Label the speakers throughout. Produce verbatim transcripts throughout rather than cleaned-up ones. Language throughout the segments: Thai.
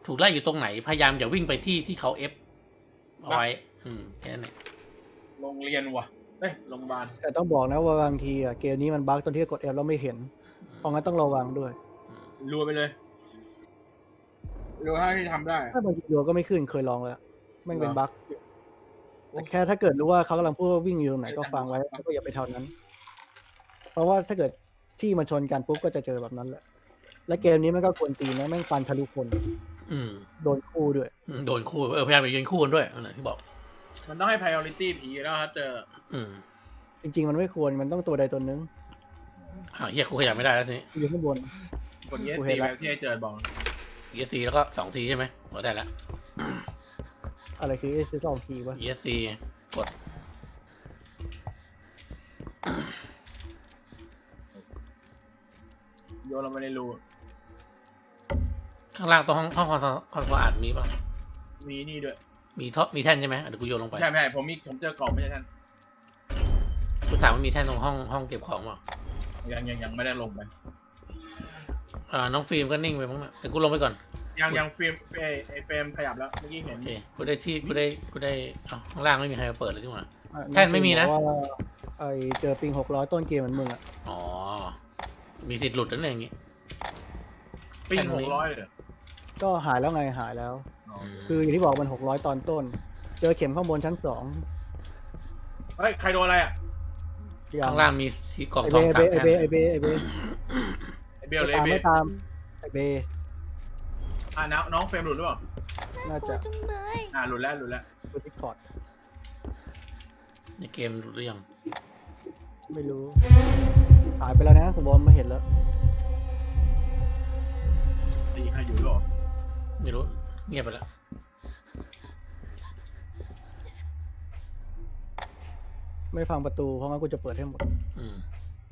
Speaker 1: ถูกไล่อยู่ตรงไหนพยายามอย่าวิ่งไปที่ที่เขาเอฟเอาไว้ อืมแค่นั้นเอง
Speaker 2: โรงเรียนว่ะเอ้ยโรงพยาบาล
Speaker 3: แต่ต้องบอกนะว่าบางทีอะเกมนี้มันบั๊กตอนที่กด F แล้วไม่เห็นเพราะงั้นต้องระวังด้วย
Speaker 2: รัวไปเลยรัวเท่าที่ทำได้
Speaker 3: ถ้าบางทีดูก็ไม่ขึ้นเคยลองแล้วแม่งเป็น
Speaker 2: เหรอ
Speaker 3: บั๊กแต่แค่ถ้าเกิดรู้ว่าเขากำลังพูดว่าวิ่งอยู่ตรงไหนก็ฟังไว้แล้วก็อย่าไปเท่านั้น เพราะว่าถ้าเกิดที่มันชนกันปุ๊บก็จะเจอแบบนั้นแหละและเกมนี้มันก็ควรตีนะแม่งฟันทะลุคน
Speaker 1: อืม
Speaker 3: โดนคู่ด้วย
Speaker 1: อืมโดนคู่เออพยายามอย่ายืนคู่กันด้วยนั่นแหละที่บอก
Speaker 2: มันต้องให้ priority ผีแล้วถ้าเจอ
Speaker 1: อืม
Speaker 3: จริงๆมันไม่ควรมันต้องตัวใดตัวหนึง
Speaker 1: อ่าเฮียกูขยับไม่ได้แล้วทีนี้
Speaker 3: อยู่ข้างบน
Speaker 2: กด yes
Speaker 3: กูเห็น
Speaker 2: แบ
Speaker 3: ละ
Speaker 2: บที่ให้เจอบอก
Speaker 1: เอสซีแล้วก็สองทีใช่ไหมกดได้แล้ว
Speaker 3: อะไรคือ S สองทีวะ
Speaker 1: เอสซีกด
Speaker 2: โยนลงไปในรู
Speaker 1: ข้างล่างตรงห้องห้องคอนคอนสะอาดมีป่ะ
Speaker 2: มีนี่ด้วย
Speaker 1: มีท่อมีแท่นใช่ไหมเดี๋ยวกูโยนลงไป
Speaker 2: ใช่ไม่ใช่ผมมีผมเจอกล่องไม่ใช่ท่าน
Speaker 1: กูถามว่ามีแท่นตรงห้องห้องเก็บของป่ะ
Speaker 2: ยังยังยังไม่ได้ลงไป
Speaker 1: อ่าน้องฟิล์มก็นิ่งไปมั้งนะเดี๋ยวกูลงไปก่อน
Speaker 2: ยังยังเฟรมไอไอเฟรมขยับแล้วเมื่อกี้เห็น
Speaker 1: โอเคกูได้ที่กูได้กูได้อ้าวข้างล่างไม่มีใครมาเปิดเลยที่หว่า
Speaker 3: อ่ะ
Speaker 1: แท่นไม่มีนะ
Speaker 3: บอกว่าไอเจอปิงหกร้อยต้นเกมเหมือนมึงอ่ะ
Speaker 1: อ๋อมีสิทธิ์หลุดนั่นเองอย่างงี้
Speaker 2: ปิ้ง
Speaker 1: แท่น
Speaker 2: ห
Speaker 1: นี้
Speaker 2: กร้อยเลย
Speaker 3: ก็หายแล้วไงหายแล้ว
Speaker 2: อ๋อ
Speaker 3: คืออย่างที่บอกมันหกร้อยตอนต้น เจอเข็มข้างบนชั้นสอง
Speaker 2: เฮ้ยใครโดนอะไรอ่ะ
Speaker 3: อย่
Speaker 1: ข้างล่างมีสีกล่อง
Speaker 3: ไอ
Speaker 1: ท
Speaker 3: เบ
Speaker 1: อง
Speaker 3: ไอ
Speaker 1: สาม
Speaker 3: เบ
Speaker 1: แท่น
Speaker 3: ไอเบไอเบไอเบ
Speaker 2: ไอเบลเลย
Speaker 3: ตาม
Speaker 2: เบ
Speaker 3: ไม่
Speaker 2: ล
Speaker 3: ตามไอเบ
Speaker 2: อ่ะน้องน้องเฟรมหลุดหรือเปล่า
Speaker 3: น่าจะ
Speaker 4: จังเลย
Speaker 2: อ่ะหลุดแล้วหลุดแล้ว
Speaker 3: ดูดิสคอร์ด
Speaker 1: ในเกมหลุดหรือยัง
Speaker 3: ไม่รู้ หายไปแล้วนะผมบอกไม่เห็นแล้ว
Speaker 2: ตีใครอยู่หรอ
Speaker 1: ไม่รู้เงียบไปแล้ว
Speaker 3: ไม่ฟังประตูเพราะงั้นกูจะเปิดให้หมด
Speaker 1: อืม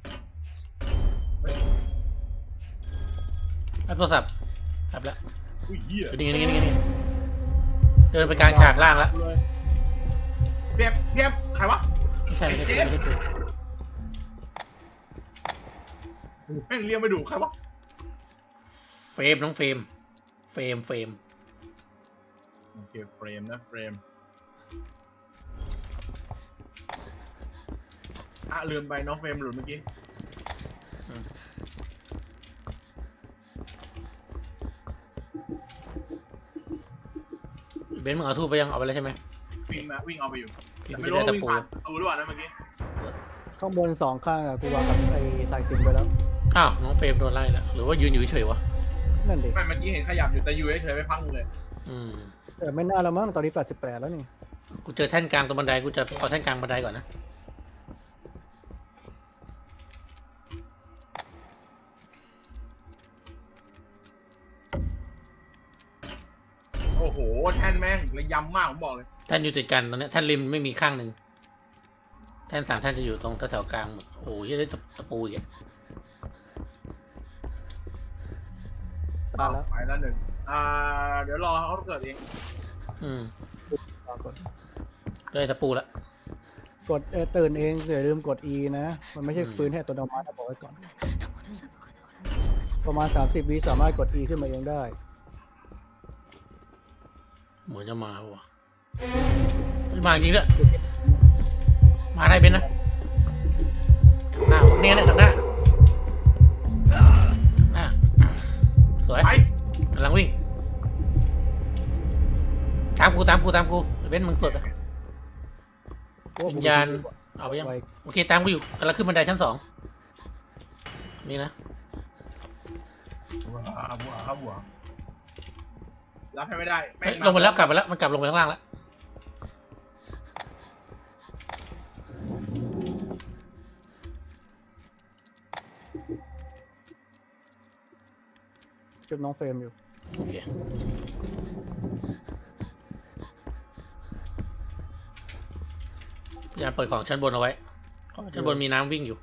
Speaker 1: รับโทรศัพท์รับแล้ว
Speaker 2: อุ้ยเหี้ย
Speaker 1: อยู่นี่นี่นี่นี่เดินไปกลางฉากล่างแล้ว
Speaker 2: เลยเปียบเปียบใครวะ
Speaker 1: ไม่ใช่ไม่ใช่ไม่ใช่กู
Speaker 2: แม่งเรียกมาดูใครวะ
Speaker 1: เฟรมน้องเฟรมเฟรมเฟรม
Speaker 2: โอเคเฟรมนะเฟรมอ่ะลืมไปน้องเฟรมหลุดเมื่อกี้
Speaker 1: เบนซ์มึงเอาทูบไปยังเอาไปแล้วใช่ไหม
Speaker 2: วิ่งมาวิ่งเอาไปอยู่
Speaker 1: คิ
Speaker 2: แต่
Speaker 1: ด
Speaker 2: ไม่
Speaker 1: ไม่
Speaker 2: รู้
Speaker 1: ได้
Speaker 2: ว่า
Speaker 1: ตะ
Speaker 2: วิ่ง
Speaker 1: ปู
Speaker 2: ผ่านเอาหรือเปล่านะเมื่อกี้
Speaker 3: ข้างบนสองข้างอะกูวางกับไอสายสิญจนไปแล้ว
Speaker 1: อ้าวน้องเฟรมโดนไล่แล้วหรือว่ายืนอยู่เฉยๆวะ
Speaker 3: นั่นดิ
Speaker 2: ไม่เมื่อกี้เห็นขยับอยู่แต่อยู่เฉยๆไม่พังเลย
Speaker 1: อืม
Speaker 3: แต่ไม่น่าแล้วมั้งตอนนี้แปดสิบแปดแล้วนี่
Speaker 1: กูเจอแท่นกลางตรงบันไดกูจะเอาแท่นกลางบันไดก่อนนะ
Speaker 2: โอ้โหแท่นแม่งระยำมากผมบอกเลย
Speaker 1: แท่นอยู่ติดกันตอนนี้แท่นริมไม่มีข้างหนึ่งแท่นสามแท่นจะอยู่ตรงแถวๆกลางหมดโอ้ยได้ตะปูอีกอะ
Speaker 3: ตายแล้ว
Speaker 2: ไปแล้วหนึ่งอ่าเดี๋ยวรอเขาเกิดเอง
Speaker 1: อืม
Speaker 3: รอกด
Speaker 1: ได้ตะปูละ
Speaker 3: กดเอ่อตื่นเองอย่าลืมกด E นะ มันไม่ใช่ฟื้นให้อัตัวดมัตินะบอกไว้ก่อน ประมาณสามสิบวิสามารถกด E ขึ้นมาเองได้
Speaker 1: เหมือนจะมาว่ะไม่มาจริงด้วยมาได้เป็นนะทางหน้าวะเนี่ยเนี่ยทางหน้าหน้าสวย
Speaker 2: ไป
Speaker 1: กำลังวิ่งตามกูตามกูตามกูเว้นมึงสวดไปวิญญาณเอาไปยัง
Speaker 3: ไว
Speaker 1: โอเคตามกูอยู่กำลังขึ้นบันไดชั้นสองนี่นะ
Speaker 2: ว้าวว้าวว้าวรับให้ไม่ได้แม่
Speaker 1: เฮ้ยลงไปแล้วกลับไปแล้วมันกลับลงไปข้างล่างแล้ว
Speaker 3: จุดน้องเฟรมอยู่
Speaker 1: โอเคพยายามเปิดของชั้นบนเอาไว้ชั้นบนมีน้ำวิ่งอยู่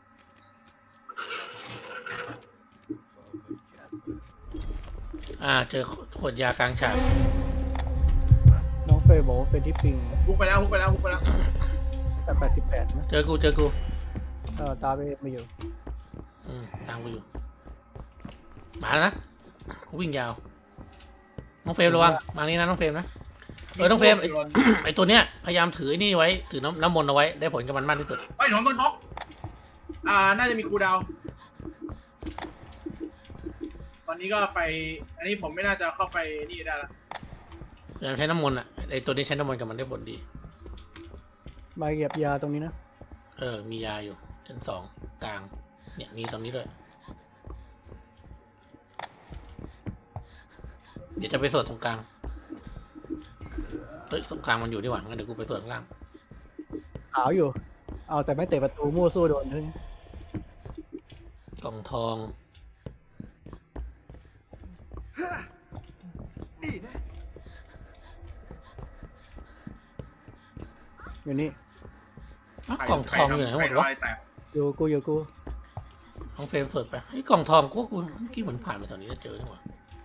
Speaker 1: อ่าเจอขวดยากลางฉาก
Speaker 3: น้องเฟรมบอกว่าเป็นที่ปิง
Speaker 2: ฮุกไปแล้วฮุกไปแล้วฮุกไปแล้ว
Speaker 3: แต่แปดสิบแปดนะ
Speaker 1: เจอกูเจอกู
Speaker 3: เออตาไปไม่อยู่
Speaker 1: อืมตามกูอยู่มาแล้วนะกูวิ่งยาวน้องเฟรมระวังมานี่นะน้องเฟรมนะเออน้องเฟรมไอ ไอตัวเนี้ยพยายามถือไอ้นี่ไว้ถือน้ำน้ำมนต์เอาไว้ได้ผลกับมันมากที่สุด
Speaker 2: ไอ้ยหนอนต้นท็อกอ่าน่าจะมีกูดาวตอนนี้ก็ไป อันนี้ผมไม่น่าจะเข้าไปนี่ได้ละ
Speaker 1: พยายามใช้น้ำมนต์อ่ะไอตัวนี้ใช้น้ำมนต์กับมันได้ผลดี
Speaker 3: มาเหยียบยาตรงนี้นะ
Speaker 1: เออมียาอยู่ชั้นสองกลางเนี่ยมีตรงนี้ด้วยเดี๋ยวจะไปสวดตรงกลางเฮ้ยตรงกลางมันอยู่ดีกว่างั้นเดี๋ยวกูไปสวดข้างล่าง
Speaker 3: ขาวอยู่ เอาแต่ไม่เตะประตูมั่วสู้โดนเลย
Speaker 1: กล่องทอง
Speaker 3: อยู่นี่
Speaker 1: อ้าวกล่องทองอยู่ไหนหมดวะ
Speaker 2: ใครแตก
Speaker 3: อยู่กูอยู่กู
Speaker 1: น้องเฟรมสวดไปไอ้กล่องทองกูกูเมื่อกี้เหมือนผ่านมาแถวนี้แล้วเจอนี่หว่า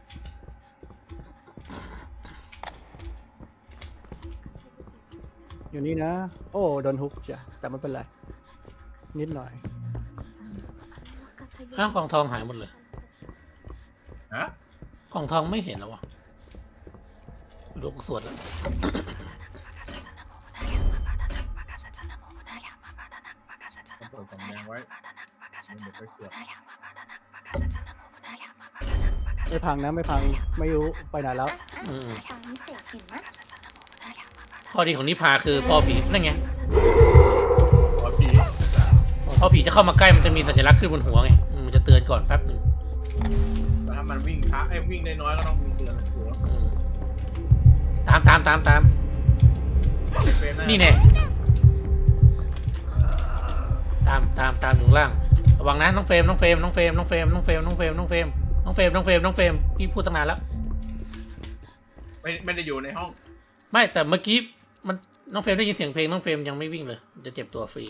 Speaker 3: อยู่นี่นะ โอ้โดนฮุกจ้ะแต่ไม่เป็นไร นิดหน่อย
Speaker 1: อ้าวกล่องทองหายหมดเลย
Speaker 2: ฮะ
Speaker 1: กล่องทองไม่เห็นแล้ววะดูกูสวดแล้ว
Speaker 2: เปิดกล่องแดงไว้มันเดี๋ยวไปเสือก
Speaker 3: ไม่พังนะไม่พังไม่รู้ไปไหนแล้ว
Speaker 1: อืม
Speaker 4: ทางนี้เสกเห็นไหม
Speaker 1: ข้อดีของนิพาคือพอผีนั่นไง
Speaker 2: หัวผี
Speaker 1: พอผีจะเข้ามาใกล้มันจะมีสัญลักษณ์ขึ้นบนหัวไงอืมมันจะเตือนก่อนแป๊บหนึ่ง
Speaker 2: แล้วถ้ามันวิ่งช้าไอ้ยวิ่งได้น้อยก็ต้องมีเตือนหัว
Speaker 1: อืมตามตามตามตาม
Speaker 2: เฟรมะ
Speaker 1: นี่แน่ตามตามตามอยู่ข้างล่างระวังนะน้องเฟรมน้องเฟรมน้องเฟรมน้องเฟรมน้องเฟรมน้องเฟรมน้องเฟรมน้องเฟรมน้องเฟรมน้องเฟรมพี่พูดตั้งนานแล้ว
Speaker 2: ไม่ไม่ได้อยู่ในห้อง
Speaker 1: ไม่แต่เมื่อกี้มันน้องเฟรมได้ยินเสียงเพลงน้องเฟรมยังไม่วิ่งเลยจะเจ็บตัวฟรี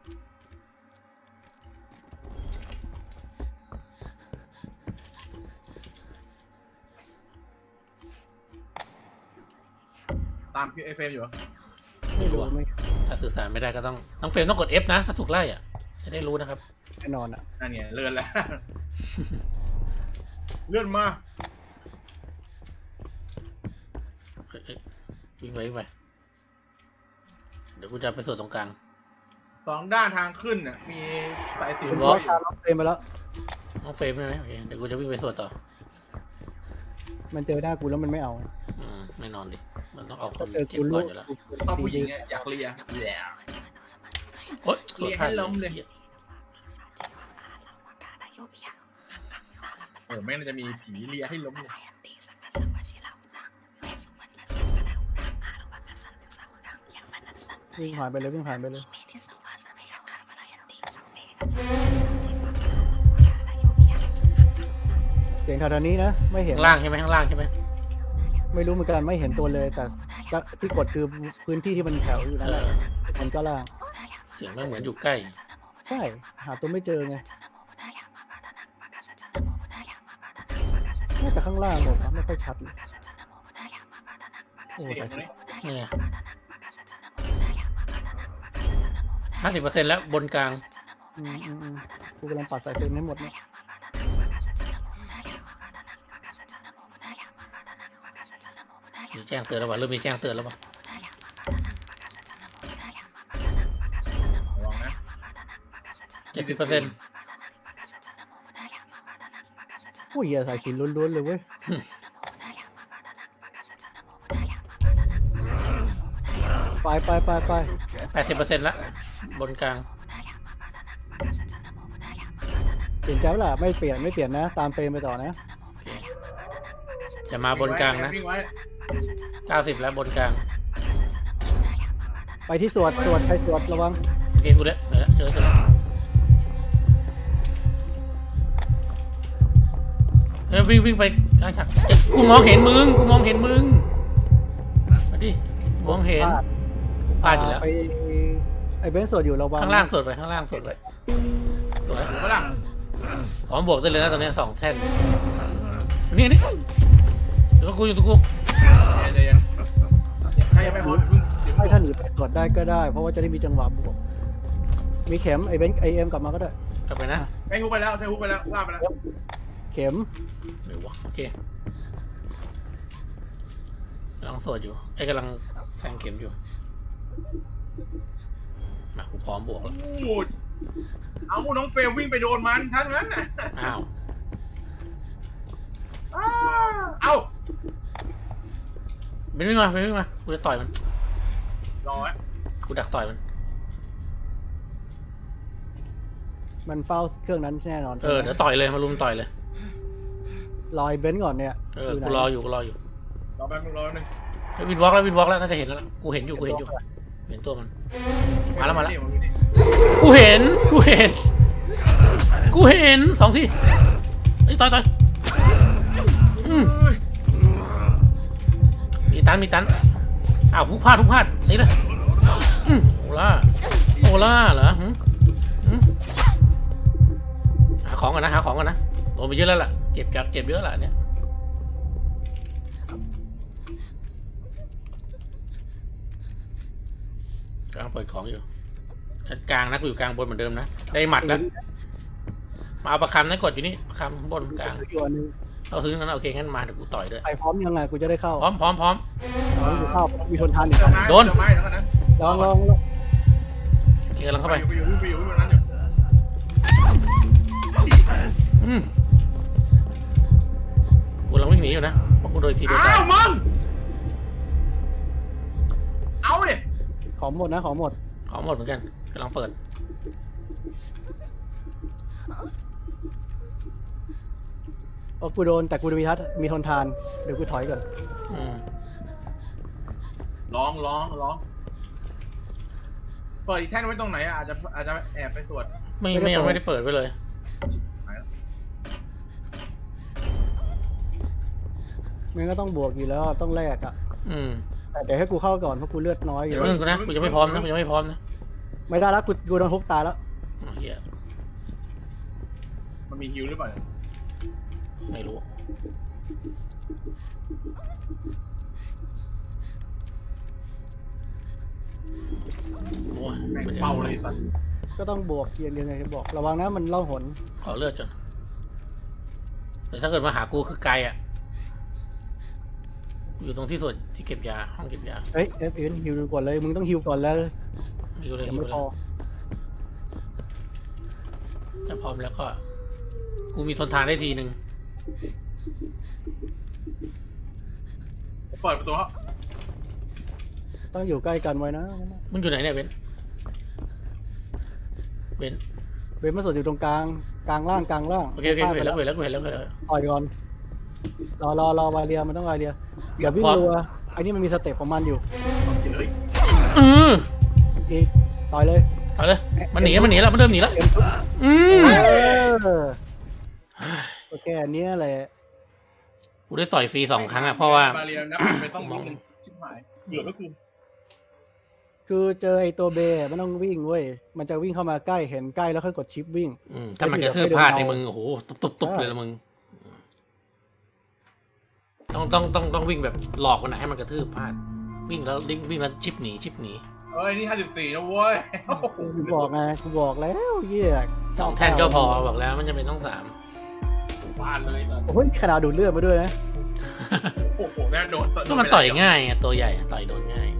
Speaker 2: ตามไอ้เฟรมอยู่เหรอ
Speaker 3: ไม่รู้ไม่
Speaker 1: ถ้าสื่อสารไม่ได้ก็ต้องน้องเฟรมต้องกด F นะถ้าถูกไล่อ่ะจะได้รู้นะครับ
Speaker 3: แน่นอนอ่ะ
Speaker 2: นั่นไงเลื่อนแล้ว เลื่อนมา
Speaker 1: เอ้ยเอ้ยวิ่งไปวิ่งไปเดี๋ยวกูจะไปสวดตรงกลาง
Speaker 2: สองด้านทางขึ้นน่ะมีสายสิญ
Speaker 3: เป็น
Speaker 2: จ
Speaker 3: เพ
Speaker 2: น
Speaker 3: ราะตามน้องเฟรมไปแล้ว
Speaker 1: น้องเฟรมใช่ไหมโอเคเดี๋ยวกูจะวิ่งไปสวดต่อ
Speaker 3: มันเจอหน้ากูแล้วมันไม่เอา
Speaker 1: อืมไม่นอนดิมันต้องเอาค
Speaker 3: ถ้าน เจอ
Speaker 1: เจ็บ
Speaker 3: กู
Speaker 1: ก่
Speaker 3: ลู
Speaker 1: อน
Speaker 3: ก
Speaker 1: อยู่แล้ว
Speaker 2: ชอบผู้หญิงเนี่ยอยากเลียแหละ
Speaker 1: โอ๊ย
Speaker 2: เรียกให้ล้มเลย โอ้แม่งจะมีผีเลียให้ล้มเลย
Speaker 3: วิ่งผ่านไปเลยวิ่งผ่านไปเลย เสียงแถวๆนี้นะไม่เห็น
Speaker 1: ข้างล่างใช่ไหมข้างล่างใช่ไหม
Speaker 3: ไม่รู้เหมือนกันไม่เห็นตัวเลย แต่จะที่กดคือพื้นที่ที่มันแถวอยู่นั่น
Speaker 1: เอ
Speaker 3: แหละ
Speaker 1: อ
Speaker 3: มันก็ล่าง
Speaker 1: เสียงมันเหมือนอยู่ใกล้
Speaker 3: ใช่หาตัวไม่เจอไงน่าจะข้างล่างหมดนะไม่ค่อยชัดเลยโอ้
Speaker 2: เสีย
Speaker 3: ใส่
Speaker 2: งตรงนี้
Speaker 1: เนี่ยห้าสิบเปอร์เซ็นต์แล้วบนกลาง
Speaker 3: อืมอืมอืมกูกำลังปัดสายเซนให้หมดเนี่ย
Speaker 1: มีแจ้งเตือนแล้ววะเริ่มมีแจ้งเตือนแล้ววะ
Speaker 2: ระวังนะ
Speaker 1: เจ็ดสิบเปอร์เซ็นต์
Speaker 3: โอ้ยอย่าสายสินล้วนๆเลยเว้ยไปไปไปไป
Speaker 1: แปดสิบเปอร์เซ็นต์ละบนกลาง
Speaker 3: เปลี่ยนใจแล้วล่ะไม่เปลี่ยนไม่เปลี่ยนนะ ตามเฟรมไปต่อนะ
Speaker 1: โอเคจะมาบนกลางนะ
Speaker 2: วิ่งไว้
Speaker 1: เก้าสิบแล้วบนกลาง
Speaker 3: ไปที่สวดสวดไปสวดระวัง
Speaker 1: โอเคกูเด้เจอแล้วเจอแล้วเฮ้ยวิ่งวิ่งไปกลางฉากเอ๊ะกูมองเห็นมึงกูมองเห็นมึงมาดิมองเห็นพลาดอยู่แล้ว
Speaker 3: ไปไอ้เบนซ์สวดอยู่ระวัง
Speaker 1: ข้างล่างสวดไปข้างล่างสวดไปสวย
Speaker 2: ถูกปะล่ะ
Speaker 1: พร้อมบวกได้เลยนะตอนนี้สองแท่นนี่นี่เดี๋ยวกูอยู่ตัวกู
Speaker 2: ใจเย็นๆใครยังไม่พร้อมพึ่งเดี๋ยว
Speaker 3: ให้ท่านหนีไปสวดได้ก็ได้ เพราะว่าจะได้มีจังหวะบวกมีเข็มไอ้เบนซ์ไอเอ็มกลับมาก็ได้
Speaker 1: กลับไปนะ
Speaker 2: ใช้ฮุกไปแล้วใช้ฮุกไปแล้วลากไปแล้ว
Speaker 3: เข็ม
Speaker 1: เดี๋ยววะโอเคกำลังสวดอยู่ไอ้ยกำลังแทงเข็มอยู่มากูพร้อมบวกแล้ว
Speaker 2: โอ้ยเอาน้องเฟลวิ่งไปโดนมันทั้งนั้นน่ะ
Speaker 1: อ้าว
Speaker 2: อ้าเอ้า
Speaker 1: เป็นวิ่งมาเป็นวิ่งมากูจะต่อยมัน
Speaker 2: รอไว้
Speaker 1: กูดักต่อยมัน
Speaker 3: มันเฝ้าเครื่องนั้นแน่นอน
Speaker 1: เออเดี๋ยวต่อยเลยมาลุมต่อยเลย
Speaker 3: รอยเบนซ์ก่อนเนี่ย
Speaker 1: เออ
Speaker 3: ไหน
Speaker 1: กูรออยู่กูรออยู่
Speaker 2: รอแป๊บนึงรอแป๊บนึง
Speaker 1: เฮ้ยวินวอล์กแล้ววินวอล์กแล้วน่าจะเห็นแล้วล่ะกูเห็นอยู่กูเห็นอยู่เห็นตัวมัน มาแล้วมาแล้ว
Speaker 2: นี่นี่
Speaker 1: กูเห็นกูเห็นกูเห็นสองที่ไอ้ยต่อยต่อยอืม
Speaker 2: เฮ้ย
Speaker 1: มีตันมีตันอ้าวพุกพลาดพุกพลาดนี่เลยอืมโอล่าโอล่าเหรอหืมหืมหาของก่อนนะหาของก่อนนะโดนไปเยอะแล้วล่ะเจ็บจับเจ็บเยอะล่ะเนี่ยกำลังเปิดของอยู่ชั้นกลางนะกูอยู่กลางบนเหมือนเดิมนะได้หมัดแล้วมาเอาประคำนะกดอยู่นี่ประคำบนกลาง
Speaker 3: อยู่อันนึง
Speaker 1: เอาซื้อนั้นโอเคงั้นมาเดี๋ยวกูต่อยด้วย
Speaker 3: ไปพร้อมยังไงกูจะได้เข้า
Speaker 1: พร้อมพร้อมพร้อม
Speaker 3: เอากูเข้ามีทนทานอีก
Speaker 2: เจอ
Speaker 3: อัน
Speaker 2: ไม้
Speaker 1: โดน
Speaker 2: เจอไม้แล้วกันนะ
Speaker 3: ลองลองลอง
Speaker 1: โอเคกำลังเข้าไป
Speaker 2: ไปอยู่ไปอยู่ไปอยู่ไปอยู่นั้นอยู่
Speaker 1: อืมกูกำลังวิ่งหนีอยู่นะเพราะกูโดนทีเดียวตา
Speaker 2: อ้าวย มึงเอาเนี่ย
Speaker 3: ของหมดนะของหมด
Speaker 1: ของหมดเหมือนกันกำลังเปิด
Speaker 3: โอ้กูโดนแต่กูมีทัศน์มีทนทานเดี๋ยวกูถอยก่อน
Speaker 1: อืม
Speaker 2: ร้องร้องร้องเปิดอีกแท่นไว้ตรงไหนอ่ะอาจจะอาจจะแอบไปตรวจ
Speaker 1: ไม่ไม่ยังไม่ได้เปิดไว้เลย
Speaker 3: มันก็ต้องบวกอยู่แล้วต้องแลกอ่ะ
Speaker 1: อืม
Speaker 3: แต่เดี๋ยวให้กูเข้าก่อนเพราะกูเลือดน้อยอ
Speaker 1: เดี๋ย
Speaker 3: ยู่
Speaker 1: วนึงกูนะกูยังไม่พร้อมนะกูยังไม่พร้อมนะ
Speaker 3: ไม่ได้แล้วกูกูโดนทุบตายแล้ว
Speaker 1: อ๋อเฮีย
Speaker 2: มันมีฮิวหรือเปล่าเนี่ย
Speaker 1: ไม่รู้โอ้ย
Speaker 2: แม่ง
Speaker 1: มันยัง
Speaker 2: เฝ้าเลยสัตว์
Speaker 3: ก็ต้องบวกยังยังไงจะบอกระวังนะมันเล่าหน
Speaker 1: ขอเลือดจนแต่ถ้าเกิดมาหากูคือไกลอ่ะอยู่ตรงที่ส่วนที่เก็บยาห้องเก็บยา
Speaker 3: เฮ้ยเอฟเอ็นฮิวก่อนเลยมึงต้องฮิวก่อนแล้ว
Speaker 1: อยู่เลย
Speaker 3: ยั
Speaker 1: อง ยู่
Speaker 3: ไม่
Speaker 1: เล
Speaker 3: พอย
Speaker 1: ถ้าพร้อมแล้วก็ กูมีทนทานได้ทีหนึ่ง
Speaker 2: เปิดประตูครับ
Speaker 3: ต้องอยู่ใกล้กันไว้นะ
Speaker 1: มึงอยู่ไหนเนี่ยเบนเบน
Speaker 3: เบนมาสดอยู่ตรงกลางกลางล่างกลางล่าง
Speaker 1: โอเคโอเคกูเห็นแล้วกูเห็นแล้วกูเห็นแล้วกูเห็นแล้ว
Speaker 3: ต่อยก่อนรอรอรอวาเรียมันต้องวาเรียอย่าวิ่งรัวไอ้นี่มันมีสเต็ปของมันอยู่
Speaker 2: เฮ้ย
Speaker 1: อืม
Speaker 3: อีกต่อยเลย
Speaker 1: เอาเลยมันหนีมันหนีแล้วมันเริ่มหนีแล้วอืม
Speaker 3: เออโอเคอันนี้แหละ
Speaker 1: กูได้ต่อยฟรีสองครั้งอ่ะเพราะว่า
Speaker 2: บาเรียนะไม่ต้องวิ่งมันชิบหายเดือดก็คือ
Speaker 3: คือเจอไอ้ตัวเบย์มันต้องวิ่งเว้ยมันจะวิ่งเข้ามาใกล้เห็นใกล้แล้วค่อยกดชิปวิ่ง
Speaker 1: อืมถ้ามันกระทืบพลาดในมึงโอ้โหตุบตุบๆเลยละมึงต้องต้องต้องต้องวิ่งแบบหลอกมันนะให้มันกระทืบพลาดวิ่งแล้ววิ่งวิ่งแล้วชิปหนีชิปหนี
Speaker 2: เอ้ยนี่ห้าสิบสี่นะเว้ย
Speaker 3: กูบอกไงกูบอกแล้วเยี่ย
Speaker 1: สองแท่นก็พอบอกแล้วมันจะเป็นต้องสาม
Speaker 2: บ้านเลยสัตว์
Speaker 3: โอ้ยมีขนาดดูดเลือดมาด้วยนะ
Speaker 2: โอ้โหแม่งโดน
Speaker 1: ก็มันต่อยง่ายไงตัวใหญ่ต่อยโดนง่าย